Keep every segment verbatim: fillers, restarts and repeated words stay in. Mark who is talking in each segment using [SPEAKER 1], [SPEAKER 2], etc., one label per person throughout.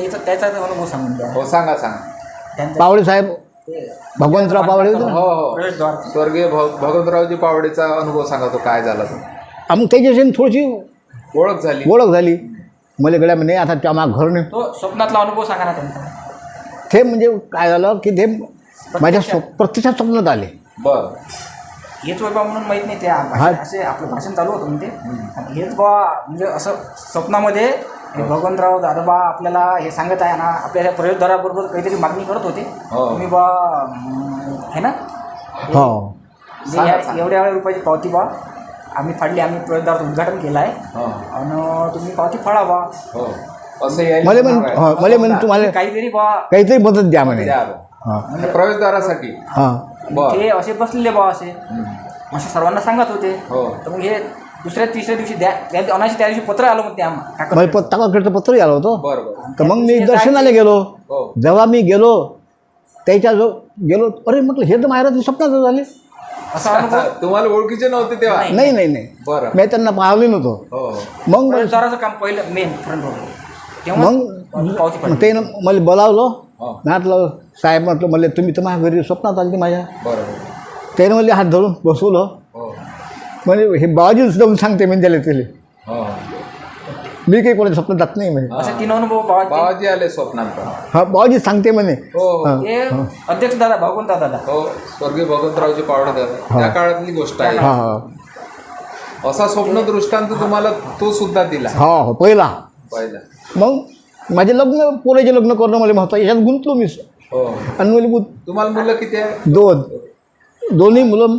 [SPEAKER 1] त्याचा त्याचा अनुभव सांगून द्या.
[SPEAKER 2] हो सांगा सांगा.
[SPEAKER 1] त्यांचा
[SPEAKER 3] पावडे साहेब भगवंतराव पावडे होते ना?
[SPEAKER 2] हो हो
[SPEAKER 1] प्रवेशद्वार
[SPEAKER 2] स्वर्गीय भ भगवंतरावजी पावडेचा अनुभव सांगा तो काय झाला तो.
[SPEAKER 3] आ, मग त्याच्याशी थोडीशी
[SPEAKER 2] ओळख झाली.
[SPEAKER 3] ओळख झाली. मला गड्या म्हणे आता त्या माग घर नाही.
[SPEAKER 1] तो स्वप्नातला अनुभव सांगा ना त्यांचा.
[SPEAKER 3] ते म्हणजे काय झालं की ते माझ्या स्व- प्रत्यक्षात स्वप्नात आले.
[SPEAKER 2] बर
[SPEAKER 1] हेच वैभव म्हणून माहीत नाही. त्या भाषण- असे आपलं भाषण चालू होतं म्हणजे आणि हेच बा म्हणजे असं स्वप्नामध्ये हे भगवंतराव दादोबा आपल्याला हे सांगत आहे ना, आपल्या प्रवेशद्वाराबरोबर काहीतरी मागणी करत होते.
[SPEAKER 2] हो.
[SPEAKER 1] तुम्ही बा अं, आहे ना
[SPEAKER 3] हो
[SPEAKER 1] जे ह्या- एवढ्या एवढ्या रुपयाची पावती बा आम्ही फाडली, आम्ही प्रवेशद्वाराचं उद्घाटन केलं आहे
[SPEAKER 2] हो
[SPEAKER 1] आणि तुम्ही पावती फाडा बा.
[SPEAKER 2] हो असं यायला
[SPEAKER 3] मला
[SPEAKER 2] होणार
[SPEAKER 3] म्हण
[SPEAKER 2] आहे.
[SPEAKER 3] हो, मला म्हण तुम्हाला
[SPEAKER 1] काहीतरी बा
[SPEAKER 3] काहीतरी मदत द्या म्हणे.
[SPEAKER 2] द्या बा.
[SPEAKER 3] हां
[SPEAKER 2] म्हणजे प्रवेशद्वारासाठी.
[SPEAKER 3] हां
[SPEAKER 2] बर
[SPEAKER 1] ते असे बसलेले बा असे असे सर्वांना सांगत होते.
[SPEAKER 2] हो
[SPEAKER 1] तर मग हे दुसऱ्या तिसऱ्या दिवशी द्या त्या अनाशी त्या दिवशी पत्र आलं मग ते आम्हाला
[SPEAKER 3] मला पत्ता काकडचं पत्रही आलं होतं.
[SPEAKER 2] बर बर
[SPEAKER 3] तर मग मी दर्शनाला गेलो.
[SPEAKER 2] हो
[SPEAKER 3] जेव्हा मी गेलो त्याच्या जो गेलो अरे म्हटलं हे तर महाराज स्वप्नात झाले.
[SPEAKER 1] असा अनुभव
[SPEAKER 2] तुम्हाला ओळखीचे नव्हते तेव्हा.
[SPEAKER 1] नाही.
[SPEAKER 3] नाही नाही नाही
[SPEAKER 2] बरं
[SPEAKER 3] मी त्यांना पाहिलं नव्हतो.
[SPEAKER 2] हो
[SPEAKER 3] मग मला-
[SPEAKER 1] प्रवेशद्वाराचं काम पहिलं मेन फ्रंट रोड तेव्हा
[SPEAKER 3] मग
[SPEAKER 1] पावती
[SPEAKER 3] मग
[SPEAKER 1] फाडली.
[SPEAKER 3] त्यानं मला बोलावलं.
[SPEAKER 2] हो
[SPEAKER 3] म्हटलं साहेब म्हटलं मला तुम्ही तर माझ्या घरी स्वप्नात आली माझ्या.
[SPEAKER 2] बरोबर
[SPEAKER 3] त्यानं मला हात धरून बसवलं.
[SPEAKER 2] हो
[SPEAKER 3] म्हणजे हे बाबाजीच जाऊन सांगते म्हणजे त्याला त्याला
[SPEAKER 2] हो
[SPEAKER 3] मी काही कोणाच्या स्वप्नात जात नाही म्हणे.
[SPEAKER 1] असे तीन अनुभव बाबा
[SPEAKER 2] बाबाजी आले स्वप्नात पण.
[SPEAKER 3] हा बाबाजी सांगते म्हणे.
[SPEAKER 2] हो हो
[SPEAKER 1] ते अध्यक्ष दादा भगवंत दादा
[SPEAKER 2] हो स्वर्गीय भगवंतरावजी पावडे दादा त्या काळातली गोष्ट आहे.
[SPEAKER 3] हा हा
[SPEAKER 2] असा स्वप्न दृष्टांत तुम्हाला तो सुद्धा दिला
[SPEAKER 3] हा हो पहिला.
[SPEAKER 2] पहिला.
[SPEAKER 3] मग माझे लग्न पोराचे लग्न करणं मला महत्त्व याच्यात गुंतलो मी.
[SPEAKER 2] हो
[SPEAKER 3] आणि मला गुंत
[SPEAKER 2] तुम्हाला मुलं किती आहे.
[SPEAKER 3] दोन दोन्ही मुलं.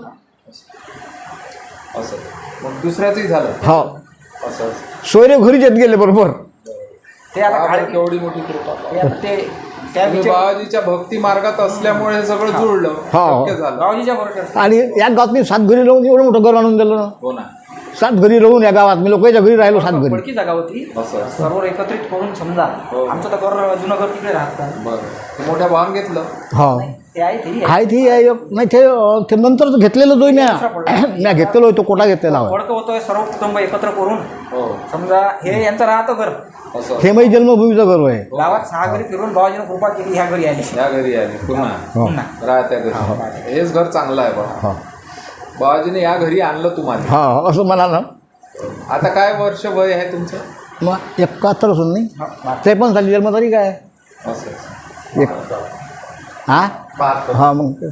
[SPEAKER 2] असं मग दुसऱ्याचंही झालं.
[SPEAKER 3] हा
[SPEAKER 2] असं असं
[SPEAKER 3] सोयरे घरीच येत गेले बरोबर.
[SPEAKER 1] ते आता
[SPEAKER 2] बापरे,
[SPEAKER 1] काढ-
[SPEAKER 2] केवढी मोठी कृपा.
[SPEAKER 1] ते आता ते त्या
[SPEAKER 2] तुम्ही
[SPEAKER 1] विचार
[SPEAKER 2] बाबाजीच्या भक्ती मार्गात असल्यामुळे हे सगळं जुळलं
[SPEAKER 3] हा.
[SPEAKER 2] शक्य झालं.
[SPEAKER 1] बाबाजीच्या बरोबर
[SPEAKER 3] आणि या गावात मी सात घरी राहून एवढं मोठं घर आणून दिलं ना.
[SPEAKER 2] हो ना
[SPEAKER 3] सात घरी राहून या गावात मी लोकांच्या घरी राहिलो सात घरी.
[SPEAKER 1] पडकी जागा होती.
[SPEAKER 2] असं
[SPEAKER 1] सर्व एकत्रित करून समजा
[SPEAKER 2] हो.
[SPEAKER 1] आमचं तर घर जुनं घर तिकडे राहतं.
[SPEAKER 2] बरं मोठ्या भावान घेतलं.
[SPEAKER 3] हा
[SPEAKER 1] ते आहे ते
[SPEAKER 3] आहे ती आहे एक- नाही ते ते नंतरच घेतलेलं जो म्या म्या घेतलेलो तो कोटा घेतलेला होता.
[SPEAKER 1] पडकं होतोय सर्व कुटुंब एकत्र करून
[SPEAKER 2] हो
[SPEAKER 1] समजा हे यांचं राहतं घर
[SPEAKER 2] असं
[SPEAKER 3] हे माझी जन्मभूमीचं घर आहे.
[SPEAKER 1] गावात सहा घरी फिरून बाबाजीनं कृपा केली ह्या घरी आली.
[SPEAKER 2] या घरी आले पुन्हा
[SPEAKER 3] हो.
[SPEAKER 1] पुन्हा
[SPEAKER 2] राहत्या घरी. हेच घर चांगलं आहे बा.
[SPEAKER 3] हा
[SPEAKER 2] बाबाजीने या घरी आणलं तुम्हाला.
[SPEAKER 3] हा असं म्हणा ना.
[SPEAKER 2] आता काय वर्ष वय आहे तुमचं.
[SPEAKER 3] मग एकाहत्तर असून नाही
[SPEAKER 1] हा.
[SPEAKER 3] ते पण झाली जन्मतारीख आहे
[SPEAKER 2] असं असं.
[SPEAKER 3] एक हा
[SPEAKER 2] बहात्तर.
[SPEAKER 3] हा मग ते-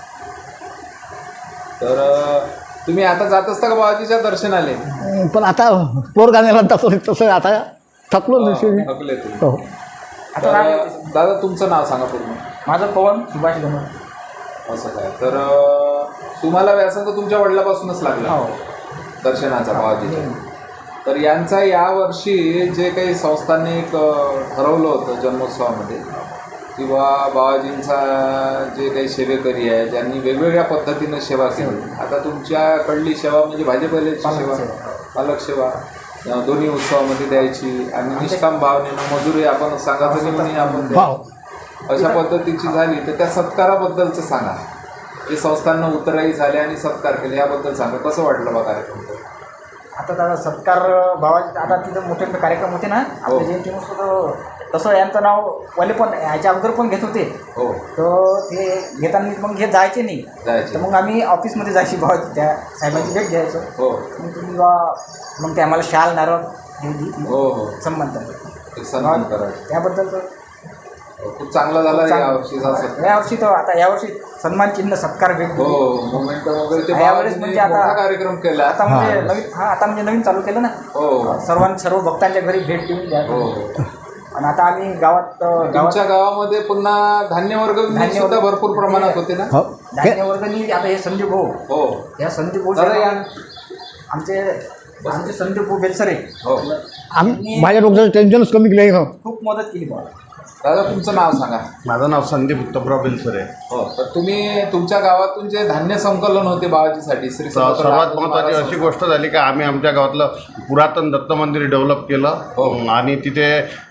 [SPEAKER 2] तर अं, तुम्ही आता जात असता का बाबाजीच्या दर्शनाले.
[SPEAKER 3] पण आता पोर गाण्याला तसं तसं आता थकलो नसेल.
[SPEAKER 2] थकले तुम्ही.
[SPEAKER 3] हो
[SPEAKER 1] आता
[SPEAKER 2] तर,
[SPEAKER 1] राहिलं
[SPEAKER 2] अं, दादा तुमचं नाव सांगा पूर्ण.
[SPEAKER 1] माझं पवन सुभाष गणवर.
[SPEAKER 2] असं काय तर अं, तुम्हाला व्यासंग तुमच्या वडिलापासूनच लागला
[SPEAKER 1] हो
[SPEAKER 2] दर्शनाचा बाबाजीच्या. तर यांचा यावर्षी जे काही संस्थांनी एक अं, ठरवलं होतं जन्मोत्सवामध्ये किंवा बाबाजींचा जे काही सेवेकरी आहे ज्यांनी वेगवेगळ्या पद्धतीनं सेवा केली. आता तुमच्याकडली सेवा म्हणजे भाजीपाल्याची सेवा पालक सेवा अं, दोन्ही उत्सवामध्ये द्यायची आणि निष्काम भावनेनं मजुरी आपण सांगायचं की म्हणे आपण द्या.
[SPEAKER 3] हो
[SPEAKER 2] अशा पद्धतीची झाली तर त्या सत्काराबद्दलचं सांगा. जे संस्थांना उतराई झाले आणि सत्कार केले याबद्दल सांगा. कसं वाटलं बा कार्यक्रम.
[SPEAKER 1] आता दादा सत्कार बाबाजी आता तिथं मोठे मोठे कार्यक्रम होते ना
[SPEAKER 2] हो.
[SPEAKER 1] आपल्या जयंतीनुसार तसं यांचं नाव पहिले पण ह्याच्या अगोदर पण घेत होते.
[SPEAKER 2] हो
[SPEAKER 1] तर ते घेताना मग घेत जायचे नाही.
[SPEAKER 2] जायचे.
[SPEAKER 1] तर मग आम्ही ऑफिसमध्ये जायची बाबाजी त्या साहेबांची भेट घ्यायचो.
[SPEAKER 2] हो
[SPEAKER 1] मग तुम्ही बा मग ते आम्हाला शाल नारळ हे दिली
[SPEAKER 2] हो हो
[SPEAKER 1] संबंध
[SPEAKER 2] एक सन्मान करायचं.
[SPEAKER 1] त्याबद्दल तर
[SPEAKER 2] खूप चांगला झाला या वर्षीचा सत्कार.
[SPEAKER 1] यावर्षी तर आता यावर्षी सन्मान चिन्ह सत्कार भेट
[SPEAKER 2] हो
[SPEAKER 1] दिली.
[SPEAKER 2] मोमेंट वगैरे ते
[SPEAKER 1] यावेळेस
[SPEAKER 2] बाबाजींनी
[SPEAKER 1] म्हणजे आता-
[SPEAKER 2] मोठा कार्यक्रम केला.
[SPEAKER 1] आता म्हणजे नवीन हा आता म्हणजे नवीन चालू केलं ना.
[SPEAKER 2] हो
[SPEAKER 1] सर्वां सर्व भक्तांच्या घरी भेट देऊन द्या.
[SPEAKER 2] हो
[SPEAKER 1] आणि आता आम्ही गावात गावात
[SPEAKER 2] तुमच्या गावामध्ये पुन्हा धान्य वर्ग
[SPEAKER 1] धान्य
[SPEAKER 2] सुद्धा
[SPEAKER 1] वर्ग-
[SPEAKER 2] भरपूर प्रमाणात होते ना.
[SPEAKER 3] हो
[SPEAKER 1] धान्य वर्गणी आता हे संदीप भाऊ
[SPEAKER 2] हो
[SPEAKER 1] या संदीप भाऊ
[SPEAKER 2] दादा या.
[SPEAKER 1] आमचे आमचे संदीप भाऊ बेलसरे
[SPEAKER 2] हो
[SPEAKER 3] आम्ही माझ्या डोक्याचं टेन्शनच कमी केलं आहे ना.
[SPEAKER 1] खूप मदत केली बा.
[SPEAKER 2] दादा तुमचं नाव सांगा.
[SPEAKER 4] माझं नाव संदीप उत्तमराव बेलसरे आहे.
[SPEAKER 2] हो तर तुम्ही तुमच्या गावातून जे धान्य संकलन होते बाबाजीसाठी श्री
[SPEAKER 4] स-
[SPEAKER 2] समर्थ
[SPEAKER 4] सर्वात
[SPEAKER 2] रामदास
[SPEAKER 4] महत्त्वाची
[SPEAKER 2] महाराज
[SPEAKER 4] अशी गोष्ट झाली की आम्ही आमच्या गावातलं पुरातन दत्त मंदिर डेव्हलप केलं.
[SPEAKER 2] हो.
[SPEAKER 4] आणि तिथे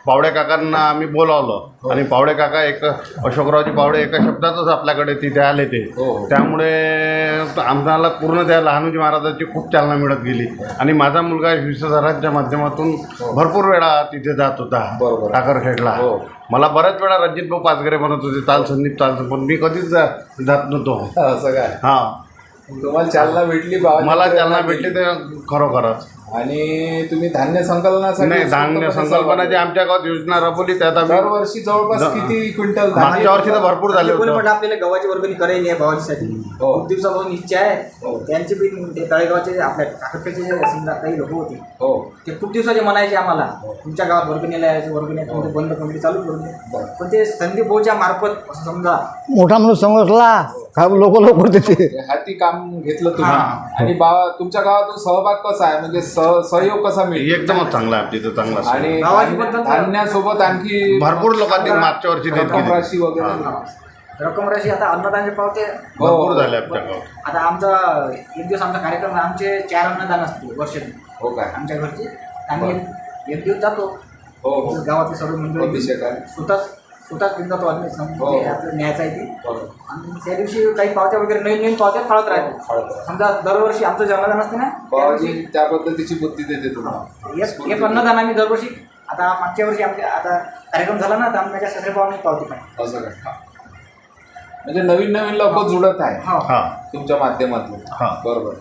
[SPEAKER 4] पावडे काकांना आम्ही बोलावलं आणि पावडे काका एक अशोकरावजी पावडे एका शब्दातच आपल्याकडे तिथे आले ते
[SPEAKER 2] हो, हो.
[SPEAKER 4] त्यामुळे आम्हाला पूर्ण त्या लहानोजी महाराजांची खूप चालना मिळत गेली आणि माझा मुलगा विश्वसरांच्या माध्यमातून भरपूर वेळा तिथे जात होता
[SPEAKER 2] बरोबर.
[SPEAKER 4] टाकरखेडला.
[SPEAKER 2] हो.
[SPEAKER 4] मला बऱ्याच वेळा रणजित भाऊ पाचगरे म्हणत होते ताल संदीप ताल पण मी कधीच जा- जात नव्हतो.
[SPEAKER 2] असं काय
[SPEAKER 4] हां
[SPEAKER 2] तुम्हाला चालना भेटली बाबाजी
[SPEAKER 4] मला चालना भेटली ते खरोखरच.
[SPEAKER 2] आणि तुम्ही धान्य संकलनासाठी
[SPEAKER 4] नाही धान्य
[SPEAKER 2] स्वतंत्र
[SPEAKER 4] संकल्पना जी आमच्या गावात योजना राबवली त्यात आम्ही
[SPEAKER 2] दरवर्षी जवळपास
[SPEAKER 4] द-
[SPEAKER 2] किती क्विंटल धान्य
[SPEAKER 4] मागच्या वर्षी तर भरपूर झाले
[SPEAKER 1] कोणी
[SPEAKER 4] होते.
[SPEAKER 1] म्हटलं आपल्याला गव्हाची वर्गणी करायची आहे भावाजीसाठी
[SPEAKER 2] हो.
[SPEAKER 1] खूप दिवसापासून इच्छा
[SPEAKER 2] हो.
[SPEAKER 1] आहे. त्यांचे बी ते तळेगावचे आपल्या टाकरखेडचे जे समजा काही लोक होते
[SPEAKER 2] हो
[SPEAKER 1] ते खूप दिवसाचे म्हणायचे आम्हाला तुमच्या गावात वर्गणीला यायचे वर्गणी आहे, तुमचे बंद कमिटी चालू करून दे.
[SPEAKER 2] बरं.
[SPEAKER 1] पण ते संदीप भाऊच्या मार्फत असं समजा
[SPEAKER 3] मोठा माणूस समजला का लोक लवकर देते.
[SPEAKER 2] हाती काम घेतलं तुम्ही
[SPEAKER 1] हा.
[SPEAKER 2] आणि बा तुमच्या गावातून सहभाग कसा आहे म्हणजे सह- सहयोग कसा मिळतो
[SPEAKER 4] एकदमच चांगला आहे तिथं चांगला आहे.
[SPEAKER 2] आणि
[SPEAKER 1] गावाची
[SPEAKER 2] धान्य-
[SPEAKER 1] पद्धत-
[SPEAKER 2] धान्यासोबत आणखी
[SPEAKER 4] भरपूर लोकांनी मागच्या वर्षी देत
[SPEAKER 2] रक्कम
[SPEAKER 4] केली.
[SPEAKER 2] राशी वगैरे
[SPEAKER 1] हा. रक्कम राशी आता अन्नदानचे पावते
[SPEAKER 4] भरपूर झाले आपल्या गावात.
[SPEAKER 1] आता आमचा एक दिवस आमचा कार्यक्रम आहे. आमचे चार अन्नदान असते वर्षातून
[SPEAKER 2] हो काय
[SPEAKER 1] आमच्या घरचे आम्ही एक- एक दिवस जातो
[SPEAKER 2] हो हो
[SPEAKER 1] गावातले सर्व मंडळी
[SPEAKER 2] अभिषेक आहे.
[SPEAKER 1] स्वतःच स्वतःच घेऊन जातो आम्ही सम-
[SPEAKER 2] हो.
[SPEAKER 1] ते आपलं न्यायचं आहे ते
[SPEAKER 2] बरोबर.
[SPEAKER 1] आणि त्या दिवशी काही पावत्या वगैरे नवीन नवीन पावत्या फाळत राहतो.
[SPEAKER 2] फाळत राहतो.
[SPEAKER 1] समजा दरवर्षी आमचं जे अन्नदान असते ना त्या
[SPEAKER 2] बाबाजी
[SPEAKER 1] दिवशी
[SPEAKER 2] त्या पद्धतीची बुद्धी देते तुम्हाला
[SPEAKER 1] एक एक अन्नदान आम्ही दरवर्षी आता मागच्या वर्षी आमच्या आता कार्यक्रम झाला ना तर आमच्या सगळे भावाने पावती पाहिजे.
[SPEAKER 2] असं काय म्हणजे नवीन नवीन लोक जुळत आहे
[SPEAKER 1] हो
[SPEAKER 4] हा
[SPEAKER 2] तुमच्या माध्यमातून
[SPEAKER 4] हा.
[SPEAKER 2] बरोबर.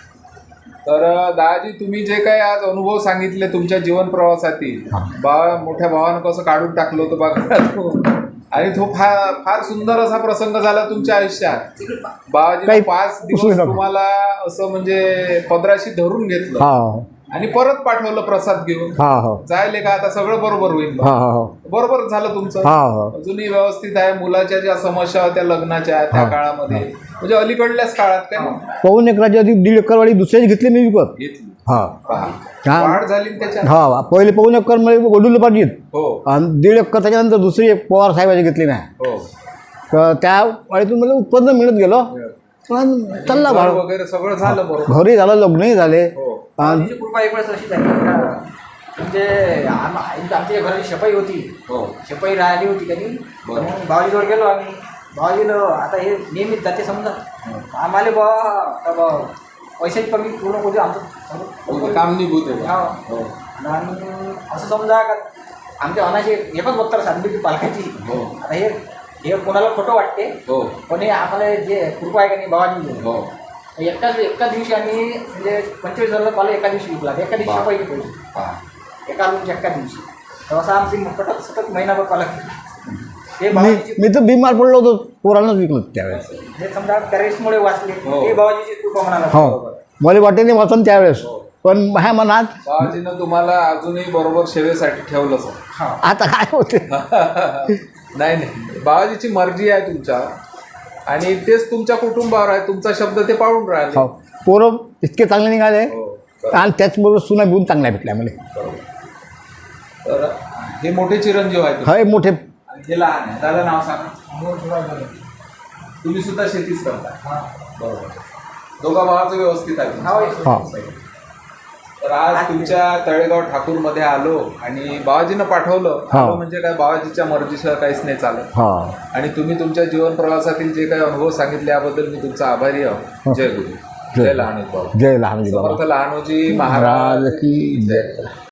[SPEAKER 2] तर अ, दादाजी तुम्ही जे काही आज अनुभव सांगितले तुमच्या जीवन प्रवासातील बा मोठ्या भावानं कसं काढून टाकलं होतं बघा आणि तो फार फार सुंदर असा प्रसंग झाला तुमच्या आयुष्यात. बाबाजी
[SPEAKER 3] काही
[SPEAKER 2] पाच दिवस
[SPEAKER 3] उसळी नका.
[SPEAKER 2] तुम्हाला असं म्हणजे पदराशी धरून घेतलं
[SPEAKER 3] हा
[SPEAKER 2] आणि परत पाठवलं प्रसाद घेऊन
[SPEAKER 3] हा हा
[SPEAKER 2] जायले का आता सगळं बरोबर होईल
[SPEAKER 3] हा
[SPEAKER 2] बा.
[SPEAKER 3] हा
[SPEAKER 2] बरोबर झालं तुमचं
[SPEAKER 3] हा हा
[SPEAKER 2] अजूनही व्यवस्थित आहे. मुलाच्या ज्या समस्या होत्या लग्नाच्या त्या
[SPEAKER 3] हा.
[SPEAKER 2] काळामध्ये म्हणजे अलीकडल्याच काळात काय
[SPEAKER 3] पाऊन एकराची अधिक दीड एकरवाडी दुसऱ्याची घेतली मी विकत.
[SPEAKER 2] घेतली
[SPEAKER 3] हा
[SPEAKER 2] पहा.
[SPEAKER 3] हा.
[SPEAKER 2] वाढ झाली ना त्याच्यात
[SPEAKER 3] हा पहिले पाऊन एकर मध्ये गोडूला पाहिजेत
[SPEAKER 2] हो
[SPEAKER 3] आणि दीड एकर त्याच्यानंतर दुसरी एक पवार साहेबाची घेतली नाही.
[SPEAKER 2] हो
[SPEAKER 3] तर त्या वाडीतून मला उत्पन्न मिळत गेलो पण चालला
[SPEAKER 2] घर
[SPEAKER 3] भाड
[SPEAKER 2] वगैरे सगळं झालं बरोबर
[SPEAKER 3] घरी झालं लग्नही झाले
[SPEAKER 2] हो
[SPEAKER 3] आणि
[SPEAKER 1] बाबाजीची कृपा एक वेळेस अशी झाली का म्हणजे आम- आमच्या घराची शपाई होती
[SPEAKER 2] हो
[SPEAKER 1] शपाई राहिली होती कधी
[SPEAKER 2] बरं.
[SPEAKER 1] मग बाबाजीजवळ गेलो आम्ही बाबाजीला आता हे नेहमीच जाते समजा आम्हाला बा आता बा पैशाची कमी पूर्ण करू आमचं
[SPEAKER 2] हो,
[SPEAKER 1] सगळं-
[SPEAKER 2] काम निभूत आहे
[SPEAKER 1] हा.
[SPEAKER 2] हो
[SPEAKER 1] आणि असं समजा का आमच्या अनाची एकच बत्तर साधली होती पालकाची
[SPEAKER 2] हो
[SPEAKER 1] आता हे हे कोणाला खोटं वाटते
[SPEAKER 2] हो
[SPEAKER 1] पण हे आम्हाला जे कृपा आहे का नाही बाबाजी
[SPEAKER 2] हो
[SPEAKER 1] एकाच एकाच दिवशी आम्ही म्हणजे पंचवीस हजार पाला एका दिवशी विकला एका दिवशी
[SPEAKER 2] बा.
[SPEAKER 1] शपाई पैसे
[SPEAKER 2] पहा.
[SPEAKER 1] एका रूमच्या एका दिवशी तर असं आमची मकटात सतत महिनाभर पाला हे
[SPEAKER 3] मी
[SPEAKER 1] बाबाजीची
[SPEAKER 3] मी तर बिमार पडलो होतो पोरांनाच विकलं त्यावेळेस.
[SPEAKER 1] हे समजा कॅरेट्समुळे वाचले
[SPEAKER 2] हो.
[SPEAKER 1] हे बाबाजीची कृपा म्हणाला
[SPEAKER 3] हो मला वाटे नाही वाचन त्यावेळेस पण ह्या मनात
[SPEAKER 2] बाबाजीनं तुम्हाला अजूनही बरोबर सेवेसाठी ठेवलं सर
[SPEAKER 1] हा
[SPEAKER 3] आता काय होते
[SPEAKER 2] नाही नाही बाबाजीची मर्जी आहे तुमच्या आणि तेच तुमच्या कुटुंबावर आहे तुमचा शब्द ते पाळून राहिले
[SPEAKER 3] हो पोरं इतके चांगले निघाले
[SPEAKER 2] हो
[SPEAKER 3] आणि त्याचबरोबर सुना बिऊन चांगल्या भेटल्या मला.
[SPEAKER 2] बरोबर. तर हे मोठे चिरंजीव आहेत
[SPEAKER 3] हे मोठे
[SPEAKER 2] आणि हे लहान आहे दादा नाव सांगा तुम्ही सुद्धा शेतीच करता बरोबर दोघा भावाचं व्यवस्थित आहे
[SPEAKER 1] हा,
[SPEAKER 3] हा.
[SPEAKER 2] तर आज तुमच्या तळेगाव ठाकूरमध्ये आलो आणि बाबाजीनं पाठवलं
[SPEAKER 3] हा.
[SPEAKER 2] आलो म्हणजे काय बाबाजीच्या मर्जीशिवाय काहीच नाही चालत
[SPEAKER 3] हा
[SPEAKER 2] आणि तुम्ही तुमच्या जीवन प्रवासातील जे काही अनुभव सांगितले याबद्दल मी तुमचा आभारी आहो जय गुरु जय लहानोजी बाबा
[SPEAKER 3] जय लहानजी बाबा
[SPEAKER 2] समर्थ लहानोजी महाराज
[SPEAKER 3] महाराज की जय.